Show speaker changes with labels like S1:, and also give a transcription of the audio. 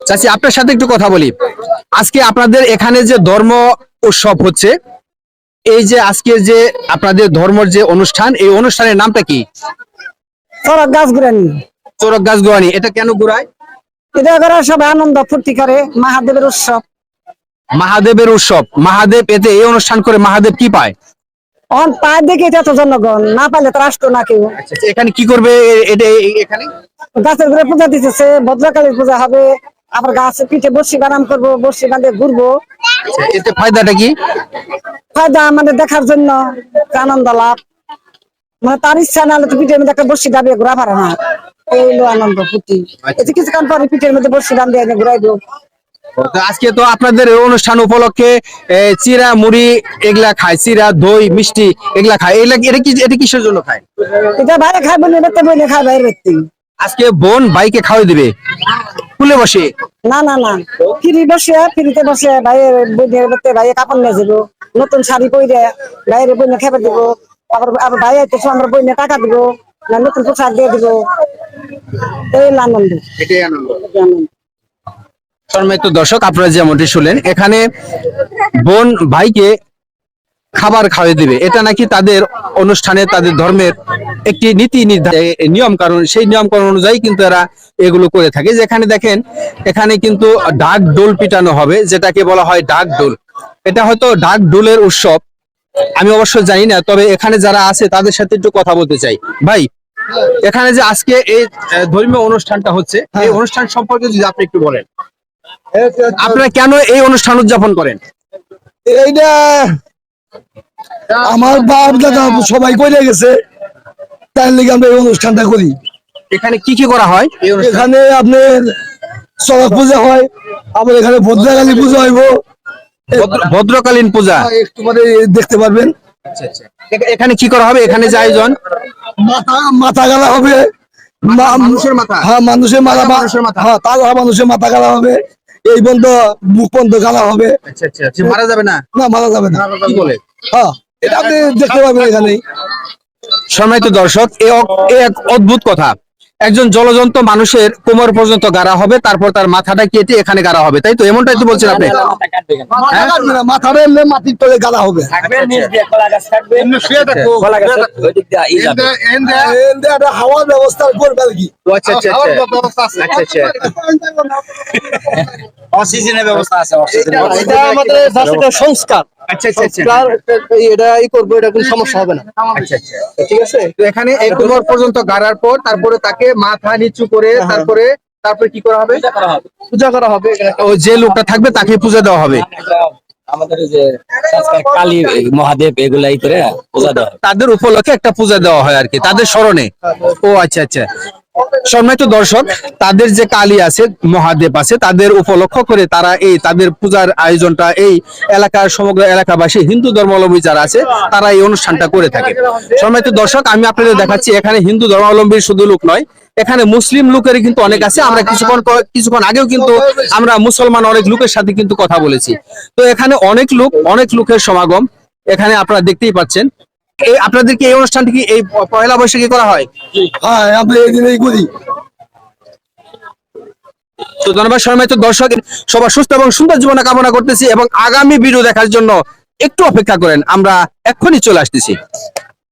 S1: চাচি আপনার সাথে একটু কথা বলি। আজকে আপনাদের এখানে যে ধর্ম উৎসব হচ্ছে, এই যে আজকে যে আপনাদের ধর্মের যে অনুষ্ঠান, এই অনুষ্ঠানের নামটা কি?
S2: চড়ক গাছ ঘুরানি।
S1: চড়ক গাছ গোয়ানি। এটা কেন ঘুরায়?
S2: এটা করে সবাই আনন্দ ফুর্তি করে, মহাদেবের উৎসব।
S1: মহাদেবের উৎসব। মহাদেব এতে এই অনুষ্ঠান করে মহাদেব কি পায়?
S2: অন পায় দেখে এত জনগণ, না পাইলে তো আসতো না কেউ।
S1: এখানে কি করবে? এটা এখানে
S2: গাছের ঘুরে পূজা দিতেছে, ভদ্রকালীর পূজা হবে। আবার গাছে পিঠে বর্ষি বানাম করবো, বর্ষি বাঁধে ঘুরবো।
S1: এতে ফায়দাটা কি?
S2: ফায়দা আমাদের দেখার জন্য, আনন্দ লাভ। মানে তার ইচ্ছা না হলে তো পিঠের মধ্যে একটা বর্ষি ডাবিয়ে ঘোরা পারে না। এই হলো আনন্দ ফুর্তি। এতে কিছুক্ষণ পরে পিঠের মধ্যে বর্ষি ডান দিয়ে ঘুরাই দেবো।
S1: তো আজকে তো আপনাদের এই অনুষ্ঠান উপলক্ষে চিরা মুড়ি এগুলা খায়, চিরা দই মিষ্টি এগুলা খায়। এটা কিসের জন্য খায়?
S2: এটা বাইরে খাই বলে বেতে বইলে খাই বাইরে বেতে।
S1: আজকে বোন ভাইকে খাওয়াই দিবে কুলে বসে?
S2: না না না, ফ্রি বসে, ফ্রিতে বসে ভাইয়ের বইনের বেতে ভাইয়ের কাপড় নিয়ে যাবো, নতুন শাড়ি পরে বাইরে বইনে খেপে দিবো। আবার আবার ভাই আইতেছে, আমরা বইনে টাকা দিবো, না নতুন পোশাক দিয়ে দিবো। এই হলো আনন্দ।
S1: এটাই আনন্দ। সম্মানিত দর্শক, আপনারা যেমনটি শুনলেন, এখানে বোন ভাইকে খাবার খাওয়াই দিবে। এটা নাকি তাদের অনুষ্ঠানে, তাদের ধর্মের একটি নীতি নিয়ম কারণ, সেই নিয়ম কারণ অনুযায়ী কিন্তু এরা এগুলো করে থাকে। যেখানে দেখেন এখানে কিন্তু ঢাক ডোল পিটানো হবে, যেটাকে বলা হয় ঢাক ডোল। এটা হয়তো ঢাক ডোলের উৎসব, আমি অবশ্য জানি না। তবে এখানে যারা আছে তাদের সাথে একটু কথা বলতে চাই। ভাই, এখানে যে আজকে এই ধর্মীয় অনুষ্ঠানটা হচ্ছে, এই অনুষ্ঠান সম্পর্কে যদি আপনি একটু বলেন, আপনারা কেন এই অনুষ্ঠান উদযাপন করেন?
S3: এইটা আমার বাপ দাদা সবাই করে গেছে, তার লিগে আমরা এই অনুষ্ঠানটা করি।
S1: এখানে কি কি করা হয়?
S3: এখানে আপনার চড়ক পূজা হয়, আবার এখানে ভদ্রকালী পূজা হইব,
S1: ভদ্রকালীন পূজা
S3: একটু পরে দেখতে পারবেন।
S1: এখানে কি করা হবে? এখানে যে আয়োজন,
S3: মাথা মাথা গালা হবে,
S1: মানুষের মাথা,
S3: হ্যাঁ মানুষের মাথা,
S1: মানুষের মাথা,
S3: হ্যাঁ তাজা মানুষের মাথা গালা হবে, এই বন্ধ মুখ বন্ধ গালা হবে।
S1: মারা যাবে না?
S3: না মারা যাবে না।
S1: কি বলে?
S3: হ্যাঁ এটা আপনি দেখতে পাবেন এখানেই।
S1: সম্মানিত দর্শক, এক অদ্ভুত কথা। একজন জলজন্ত মানুষের কোমর পর্যন্ত গাড়া হবে, তারপর তার মাথাটা কেটে এখানে গাড়া হবে, তাই তো? এমনটাই তো বলছেন আপনি?
S3: মাথার এমনি মাটির তলে গালা হবে। হাওয়ার ব্যবস্থা করবে আর কি।
S1: অক্সিজেনের ব্যবস্থা আছে।
S3: এটা আমাদের সংস্কার। এটাই করবো, এটা কোনো সমস্যা হবে না।
S1: ঠিক আছে। তো এখানে এই কোমর পর্যন্ত গাড়ার পর তারপরে তাকে মাথা নিচু করে তারপরে কি করা হবে?
S3: পূজা করা হবে।
S1: ও যে লোকটা থাকবে তাকে পূজা দেওয়া হবে।
S4: আমাদের যে কালী মহাদেব এগুলাই করে পূজা দেওয়া হয়।
S1: তাদের উপলক্ষে একটা পূজা দেওয়া হয় আর কি, তাদের স্মরণে। ও আচ্ছা আচ্ছা। সম্মানিত দর্শক, তাদের যে কালী আছে, মহাদেব আছে, তাদের উপলক্ষ করে তারা এই তাদের পূজার আয়োজনটা এই এলাকার সমগ্র এলাকাবাসী হিন্দু ধর্মাবলম্বী যারা আছে তারা এই অনুষ্ঠানটা করে থাকে। সম্মানিত দর্শক, আমি আপনাদের দেখাচ্ছি এখানে হিন্দু ধর্মাবলম্বীর শুধু লোক নয়, এখানে মুসলিম লোকের কিন্তু অনেক আছে। আমরা কিছুক্ষণ আগেও কিন্তু আমরা মুসলমান অনেক লোকের সাথে কিন্তু কথা বলেছি। তো এখানে অনেক লোকের সমাগম এখানে আপনারা দেখতেই পাচ্ছেন। এই আপনাদেরকে এই অনুষ্ঠানটি কি এই পয়লা বৈশাখে করা হয়?
S3: হ্যাঁ আমরা এই দিনেই করি।
S1: তো ধন্যবাদ। সম্মানিত দর্শক, সবার সুস্থ এবং সুন্দর জীবন কামনা করতেছি এবং আগামী ভিডিও দেখার জন্য একটু অপেক্ষা করেন, আমরা এক্ষুনি চলে আসতেছি।